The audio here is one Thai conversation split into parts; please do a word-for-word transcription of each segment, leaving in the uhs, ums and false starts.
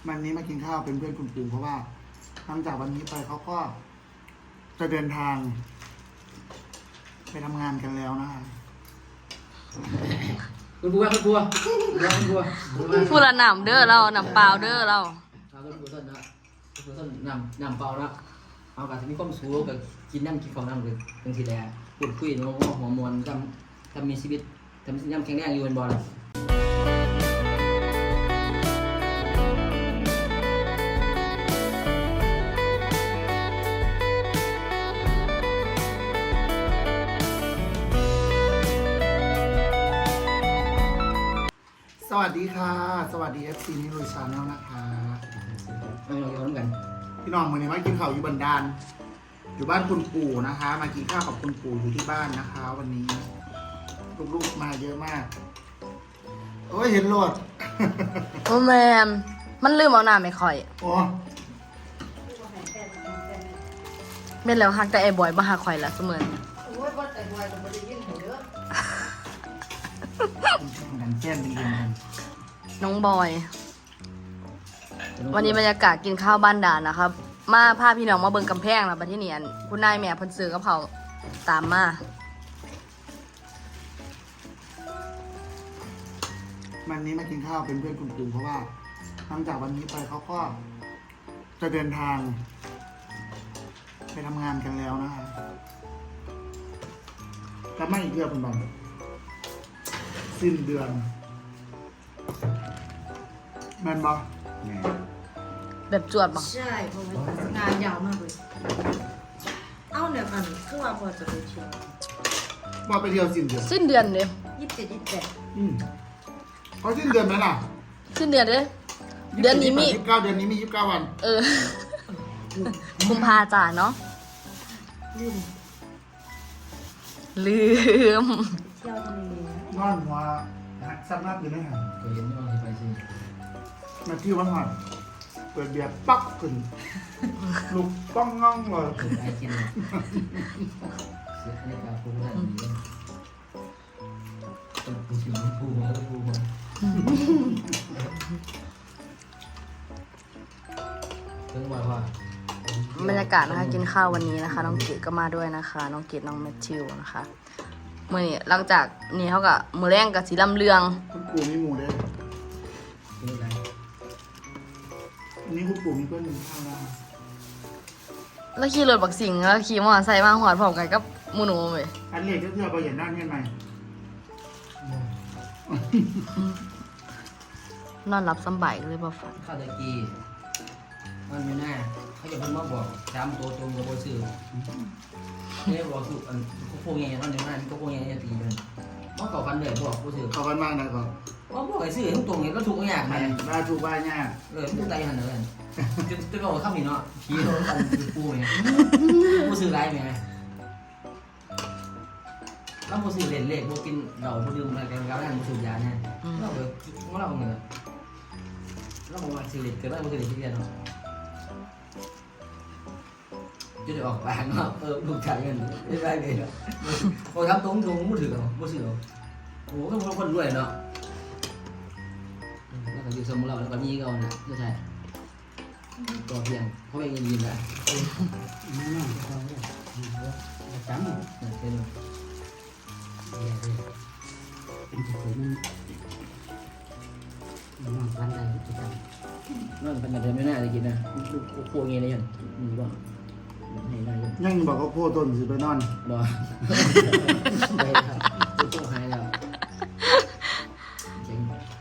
วันนี้มากินข้าวเป็นเพื่อนคุณปู่เพราะว่าหลังจากวันนี้ไปเขาก็จะเดินทาง ไปทำงานกันแล้วนะคะคุณบัวคุณบัวคุณบัวคุณบัวพูดละหนำเด้อเราหนำเปล่าเด้อเราเอาคุณบัวต้นนะคุณบัวต้นนำนำเปล่านะเอาการที่มีความสูงกับกินน้ำกินของน้ำเลยเป็นสีแดงพูดคุยน้องหัวมวลทำทำมีชีวิตทำย่ำแข็งแรงอยู่บนบอลสวัสดีค่ะสวัสดี เอฟ ซี นิรุยชาแนลนะคะเราเราย้อนกันพี่น้องวันนี้มากินข้าวอยู่บันดาลอยู่บ้านคุณปู่นะคะ มากินข้าวกับคุณปู่อยู่ที่บ้านนะคะ วันนี้ลูกๆมาเยอะมากโอ้ยเห็นโลดโอ้แมนมันลืมเอาหน้าไม่ค่อยโอ้เม็นแล้วฮักแต่ไอ้บอยมาหาข่อยละเสมอดันแก้มเป็นเรื่องกันน้องบอย วันนี้บรรยากาศกินข้าวบ้านด่านนะครับ มาพาพี่น้องมาเบิ่งกำแพงนะประเทศนี้คุณนายแม่เพิ่นซื้อกับเขาตามมาวันนี้มากินข้าวเป็นเพื่อนคุณปู่เพราะว่าหลังจากวันนี้ไปเขาก็จะเดินทาง ไปทำงานกันแล้วนะคะกลับมาอีกเดือนเป็นบันสิ้นเดือนแมนบอแบบจวดบังใช่เพราะว่างานยาวมากเลย เอ้าเนี่ยมันคือว่าพอจะไปเที่ยวว่าไปเที่ยวสิ้นเดือนสิ้นเดือนเด้ยี่สิบเจ็ดยี่สิบแปดอืมเขาสิ้นเดือนไหมล่ะสิ้นเดือนเด้เดือนนี้มียี่สิบเก้าเดือนนี้มียี่สิบเก้าวันเออกุมภาจ่าเนาะลืมลืมเที่ยวทะเลนะนอนหัวหักซับหน้าตื่นได้หันก็เห็นว่าจะไปสิมาที่วันหันเปิดเบียร์ปักขึ้นลูกป้องง่องเลยถึงไอจินเสียในการพูดได้ดีต้องพูดถึงพูดมาแล้วพูดมาถึงว่าว่าบรรยากาศนะคะกินข้าววันนี้นะคะน้องเกดก็มาด้วยนะคะน้องเกดน้องแมทธิวนะคะมื่อนี้หลังจากนี้เขากับมือแรงกับสีลำเลืองคุณปู่มีหมูเด้อเป็นอะไรอันนี้คุณปู่มีเพื่อนหนึ่งข้าวนะแล้วขี่รถบักสิงแล้วขี่มอเตอร์ไซค์มาหอดพร้อมกันกับหมูหนูเลยอันเล็กก็เพื่อไปเห็นหน้าเงี้ยไหมนอนรับสบายเลยบ่ฝันข้าวตะกี้มันไม่น่าเขาจะเพิ่งมาบอกจำตัวตรงกับโบซื้อเนี่ยบอกสุอันพวกเงี้ยตอนนี้มันก็พวกเงี้ยจะตีกันเมื่อก่อนฟันเลยบอกโบซื้อเขากันมากนะก่อนว่าบอกไอ้ซื้อตรงนี้ก็ถูกอย่างมัไงนมาถูกบ้านเนี่ยเออผู้ใจหันเลยจะจะบอกข้ามนี่เนาะผีโดนกันคือปูไงปูซื้อไรไหมแล้วปูซื้อเล่นเล็กปูกินเหล้าปูดื่มอะไรกันแล้วนั่นปูซื้อยาเนี่ยเราเออว่าเราเนี่ยเราบอกว่าซื้อเล็กเกิดได้ปูซื้อเล็กที่เดียวเนาะจะได้ออกปากเนาะเออลูกชายกันไม่ได้เลยเนาะโอ้ทำตรงตรงปูถือเนาะปูซื้อเนาะโอ้ก็คนรวยเนาะแล้วก็อยู่สมุทรเราแล้วก็มีเขาเนี่ยไม่ใช่ตัวเพียงเขาเองยินนะจำเป็นนั่นเป็นแบบไม่น่าจะกินนะโค้งเงี้ยเลยยันมีบ้างให้ได้ยันยังบอกเขาโพต้นสิไปนอนรอไปครับตู้หายแล้วเจ๋ง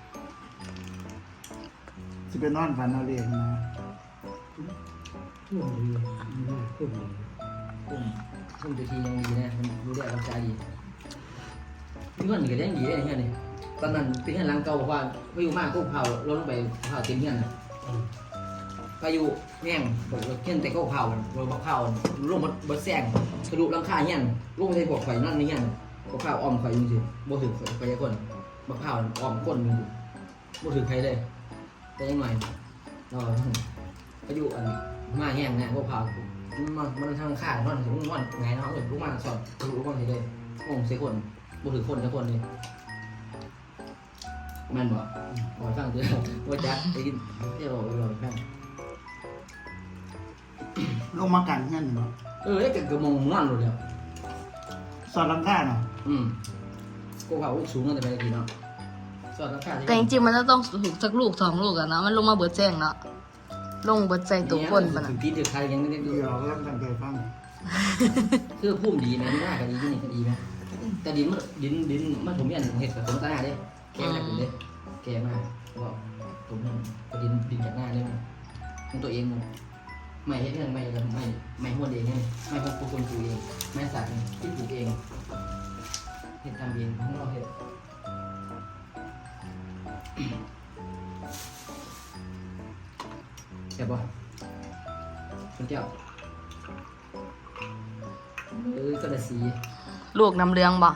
สิไปนอนฝันเอาเองนะกุ้งกุ้งกุ้งกุ้งตัวทียังดีนะมันรู้ได้รับใจดีนี่ก็หนีกันยังดีได้เนี่ยนี่ตอนนั้นเป็นเงี้ยหลังเก่าบอกว่าพายุมากกุ้งเผาลงไปเผาเต็มเงี้ยนะพายุแง่งบอกว่าเงี้ยแต่ก็เผาเราบอกเผาลงมาบดแซงกระดูกลังคาเงี้ยลงไปในพวกไฟนั่นนี่เงี้ยบอกเผาอ้อมไฟจริงๆบ่ถึงไฟยังคนบอกเผาอ้อมก้นบ่ถึงใครเลยแต่ยังไงเราพายุอันมาแง่งเนี่ยพวกเผามันมันทางข้างมันถึงมันไงเนาะเออลูกมาสอนลูกมาทีเลยงงเสียคนบ่ถึงคนละคนเลยแม่นบอกบอกฟังตัวว่าจักได้ยินเที่ยวบอกบอกฟังลงมากันเงี้ยเนาะเออไอ้กระมงม่วนเลยเดียวสอดลังค่าเนาะอืมกูเขาสูงตั้งแต่ไปกี่เนาะสอดราคาแต่จริงๆมันจะต้องถูกสักลูกสองลูกอะเนาะมันลงมาเบิดแจ้งเนาะลงเบิดใจตัวคนปะถึนะงตีนถึงใครยังไม่ได้ดูเดี๋ยวก็ต้องตั้งใจฟังคือพุ่มดีไหมไม่น่าก็ดีที่นี่ก็ดีไหมแต่ดินมันดินดินมันผมยันเห็ดกับผมตาหน้าเด้แกมากเลยแกมากว่าผมก็ดินดินจากหน้าเลยมันตัวเองไม่เห็ดเรื่องไม่กับไม่ไม่หัวเองไงไม่พวกคนปลูกเองไม่สัตว์ที่ปลูกเองเห็ดทำเองของเราเห็ดเห็ดบ่คุณเจ้าเออก็ได้สีลูกน้ำเลี้ยงบ่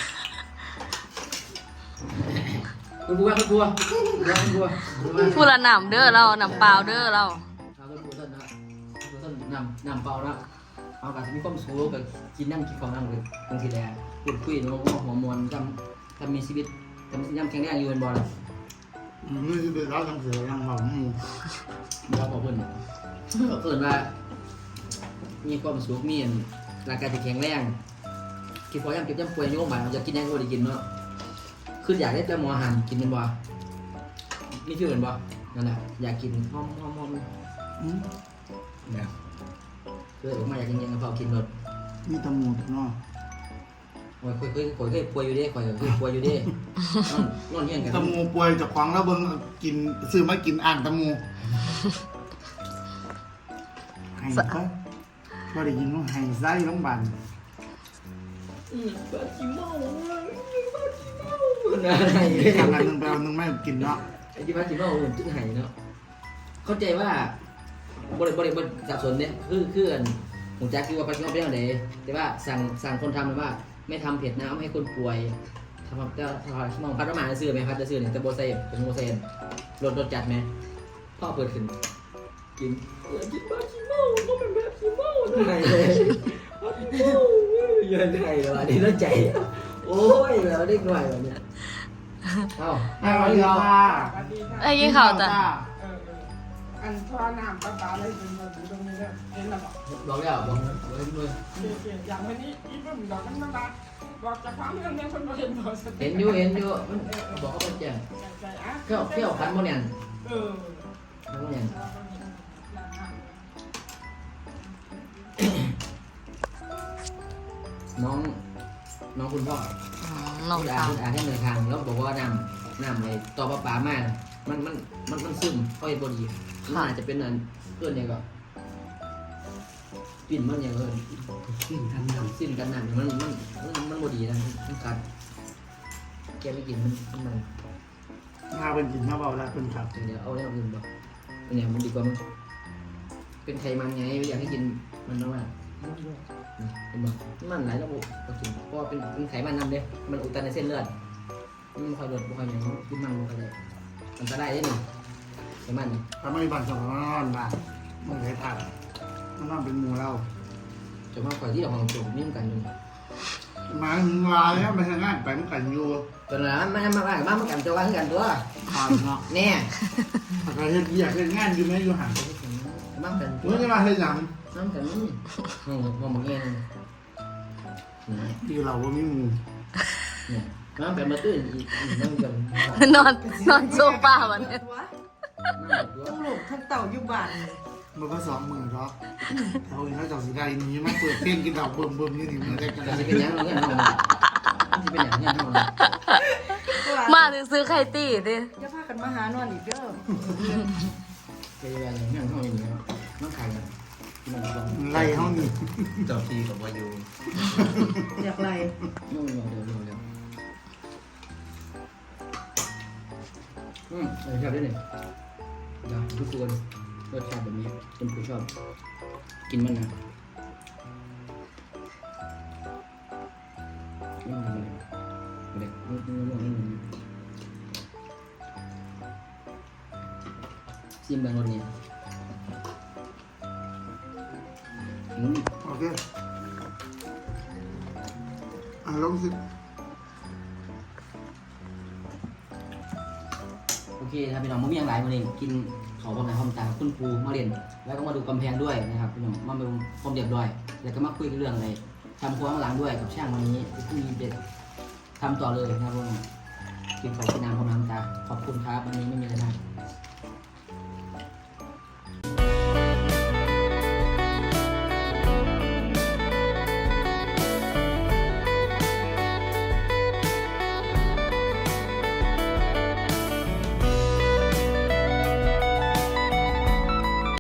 คุณบัวคุณบัวคุณบัวคุณบัวพูดละหนำเด้อเราหนำเปล่าเด้อเราเอาต้นบัวต้นนะต้นต้นนำนำเปล่านะเอาการมีความสูงกับกินน้ำกินของน้ำเลยบางทีแดดพูดคุยน้องหัวมวลทำทำมีชีวิตทำย่ำแข็งแรงอยู่บนบอลอืมนี่คือเราต้องเสือยังบอกนี่เราบอกเพื่อนก็เกิดว่ามีความสุขมีร่างกายที่แข็งแรงคิดพอย่ำเก็บย่ำป่วยโยมบ่ายมันจะกินยังก็ได้กินเนาะคืออยากได้แต่หมออาหารกินเป็นบ่ไม่ชื่อเป็นบ่นั่นแหละอยากกินหอมหอมหอมอืมเนี่ยคือผมมาอยากกินยังกระเพรากินรสมีตะหมูดเนาะโอ้ยเคยเคยเคยเคยป่วยอยู่เด้เคยเคยป่วยอยู่เด้นอนนอนเฮียงกันตะหมูป่วยจากของแล้วเบิ่งกินซื้อมากินอ่างตะหมูให้ก็ก็ได้ยินว่าให้ไส้โรงพยาบาลอืมบาจิเมาบาจิเมาอะไรทำงานหนึ่งไปเอาหนึ่งไม่กินเนาะไอ้ที่บาจิเมาเหมือนจุดหายเนาะเข้าใจว่าบริบริบริสับสนเนี่ยคือคืออันผมจักคือว่าบาจิเมาเป็นอะไรแต่ว่าสั่งสั่งคนทำเลยว่าไม่ทำเผ็ดน้ำให้คนป่วยทำแต่ทำมองพัดประมาณจะซื้อไหมพัดจะซื้อเนี่ยจะโบเซ่เป็นโบเซ่รสรสจัดไหมพ่อเปิดขึ้นกินเออกินบาจิเมาก็เป็นแบบจิเมาไงเลยยืนไงแล้วอันนี้แล้วใจโอ้ยแล้วเด็กหน่อยแบบเนี้ยเอ้าให้วันนี้ค่ะสวัสดีค่ะไอ้ยี่ข่าวจ้ะเออเอออันท่อน้ำปลาปลาอะไรเป็นแบบตรงนี้เนี่ยเห็นแล้วบอกบอกแล้วบอกเลยด้วยเกี่ยวเกี่ยวอย่างวันนี้อีปุ่มดอกมันมาบอกจากความเรื่องนี้คนมาเห็นบอกสติเห็นอยู่เห็นอยู่มันบอกเขาเป็นแจ้งใจอ่ะเที่ยวเที่ยวพันโมเนียนเออพันโมเนียนน้องน้องคุณพ่ออืมน้องคุณอาสาวคุณอาให้เดินทางแล้วบอกว่าน้ำน้ำไอ้ต่อปลาปลามากมันมันมันมันซึมเข้าไปบดีมันอาจจะเป็นอันเพื่อนเนี่ยก็กลิ่นมันอย่างเงี้ยกินทันยังสิ้นกันน้ำมันมันมันมันบดีนะมันกัดแกไม่กินมันมันถ้าเป็นกินถ้าเบาแล้วเป็นขับเดี๋ยวเอาแล้วอื่นบอกเนี่ยมันดีกว่ามันเป็นไขมันไงไม่อยากให้กินมันนะว่าเห็นบอกมันหลายระบบก็กินเพราะเป็นเป็นไขมันนำเด้มันอุดตันในเส้นเลือดมันไม่ค่อยลดไม่ค่อยอย่างกินมันมันก็ได้มันก็ได้ได้หนึ่งไขมันถ้าไม่มีบัตรสองนอนบ้านมันเคยผ่านมันนอนเป็นหมูเราจะมาคอยที่เราของโจมนี่กันอยู่มาถึงลายแล้วไปทางงานไปมันกันอยู่ตอนนั้นมันมาบ้านบ้านมันกันจะว่ากันตัวผ่านเนาะแน่อะไรเฮ็ดอยากเฮ็ดงานอยู่ไหมอยู่ห่างบ้านกันตัเมื่วอจะมาเฮ็ดหยังน้ำกันนี่มองมองมองเงี้ยนี่ที่เราว่ามีหมูเนี่ยน้ำแบบมาตื้นอีกน้ำกันนอนนอนโซฟาวันนี้วะน้ำตัวทั้งลูกทั้งเต่าอยู่บ้านมันก็สองหมื่นหรอกเขาเห็นเขาจับสีได้นี้มาเปิดเพลงกินดอกเบิ่มเบิ่มนี่นี่มันได้กันจะเป็นยังเงี้ยน้ำจะเป็นยังเงี้ยน้ำมาซื้อไข่ตีดิจะพากันมาหานอนอีกเด้อจะเป็นยังเงี้ยน้ำอย่างเงี้ยน้ำไข่กันไล่เขานี่เจ้าที่กับวายูอยากไรน้ำเดี๋ยวเดี๋ยวเดี๋ยวอืมชอบด้วยนี่เดี๋ยวทุกคนรสชาติแบบนี้เป็นผู้ชอบกินมันนะนี่มันอะไรเด็กนี่นี่นี่นี่ซิมบางรสนี่อืมโอเคอ่ะลองสินะครับพี่น้องมันมีอย่างไรวันนี้กินเขาพร้อมหน้าพร้อมตาคุณปูมาเรียนแล้วก็มาดูกำแพงด้วยนะครับพี่น้องมาดูความเรียบร้อยแล้วก็มาคุยเรื่องอะไรทำครัวข้างหลังด้วยกับช่างวันนี้พรุ่งนี้เด็ดทำต่อเลยนะครับพี่น้องกินของกินน้ำพร้อมน้ำตาขอบคุณครับวันนี้ไม่มีอะไรมาก